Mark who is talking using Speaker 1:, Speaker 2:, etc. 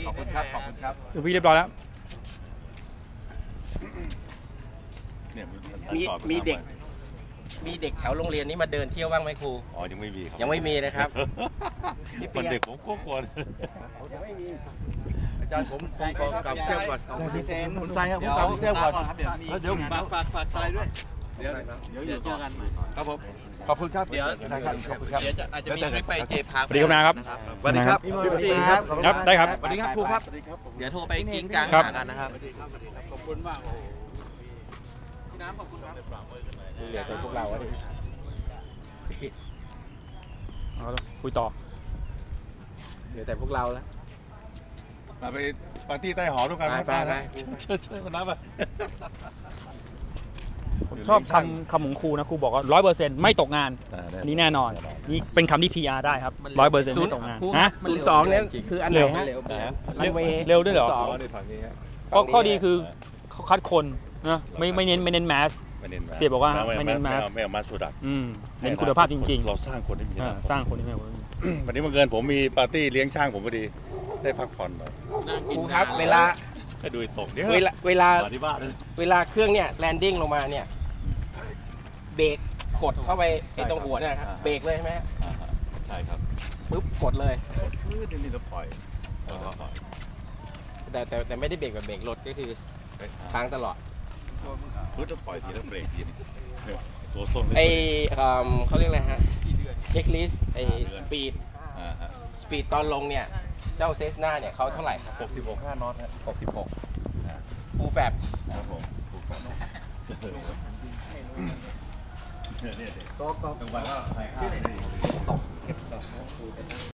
Speaker 1: อบคุณครับขอบคุณครับ
Speaker 2: ดูพี่เรียบร้อยแล้ว
Speaker 3: มีเด็กแถวโรงเรียนนี้มาเดินเที่ยวบ้างไหมครู
Speaker 1: อ๋อยังไม่มีครับ
Speaker 3: ยังไม่มีนะครับ
Speaker 1: คนเด็กผมก็กลัว
Speaker 3: ยังไม่มี
Speaker 1: อาจารย์ผมกลับเที่ยวก่อน
Speaker 4: พี่เซน
Speaker 1: คุณใจครับผมกลับเที่ยวก่อนเดี๋ยวฝากใจด้วยเดี๋ยวเจอกันใหม่ครับผมขอบคุณครับเดี๋ยวอาจจะมีทริปไปเจพาร์ค
Speaker 2: สวัสดีครับนะครับ
Speaker 1: สวัสดีครับสวัสดีครับ
Speaker 2: ครับได้ครับ
Speaker 1: สวัสดีครับครูครับ
Speaker 4: เดี๋ยวโทรไปกิ้งกลางหากันนะครับ
Speaker 1: ขอบคุณมาก
Speaker 4: พี่น้ำขอบคุณครับ
Speaker 3: เหลือแต่พวกเราดิ
Speaker 2: เอาละคุยต่อ
Speaker 3: เหลือแต่พวกเราแล้ว
Speaker 1: ไปปาร์ตี้ใต้หอด้วยกัน
Speaker 3: ไป
Speaker 1: ช่วยมานับอ่ะ
Speaker 2: ผมชอบคำของครูนะครูบอกว่า100%ไม่ตกงานนี่แน่นอนนี่เป็นคำที่ PR ได้ครับ100%ไม่ตกงานฮะ
Speaker 3: 02เนี่ยคืออันไหนฮะรันเวย์
Speaker 2: เร็วด้วยเหรอ
Speaker 1: ในฝั่งนี้ฮะ
Speaker 2: ก็ข้อดีคือเขาคัดคนนะไม่เน้นแมสเสียบอกว่าไม่เน้นแมส
Speaker 1: ไม่เอามาสุดัก
Speaker 2: เน้นคุณภาพจริงๆ
Speaker 1: เราสร้างคนได้มี
Speaker 2: สร้างคนที่ไม่
Speaker 1: วันนี้บังเอิญผมมีปาร์ตี้เลี้ยงช่างผมพอดีได้พักผ่อนหน่อย
Speaker 3: ครูครับเวลา
Speaker 1: ให้ดูตกเดี๋ยว
Speaker 3: เวลา
Speaker 1: มาที่บ้านเลย
Speaker 3: เวลาเครื่องเนี่ยแลนดิ้งลงมาเนี่ยเบรกกดเข้าไปไอ้ตรงหัวเนี่ยครับเบรกเลยใช่ไหม
Speaker 1: ใช่ครับ
Speaker 3: ปุ๊บกดเลย
Speaker 1: นี่เราปล่อย
Speaker 3: แต่ไม่ได้เบรกแบบเบรกรถก็คือค้างตลอด
Speaker 1: พื้นจะปล่อยทีแล้วเบรกทีตัวส้ม
Speaker 3: ไอเขาเรียกอะไรฮะเช็คลิสต์ไอสปีดตอนลงเนี่ยเจ้าเซสนาเนี่ยเขาเท่าไหร่ครับ
Speaker 1: 66 5น็อตฮะ66
Speaker 3: ฟูลแบบ
Speaker 1: ครับผมตกจังหวะก็ใส่ข้าว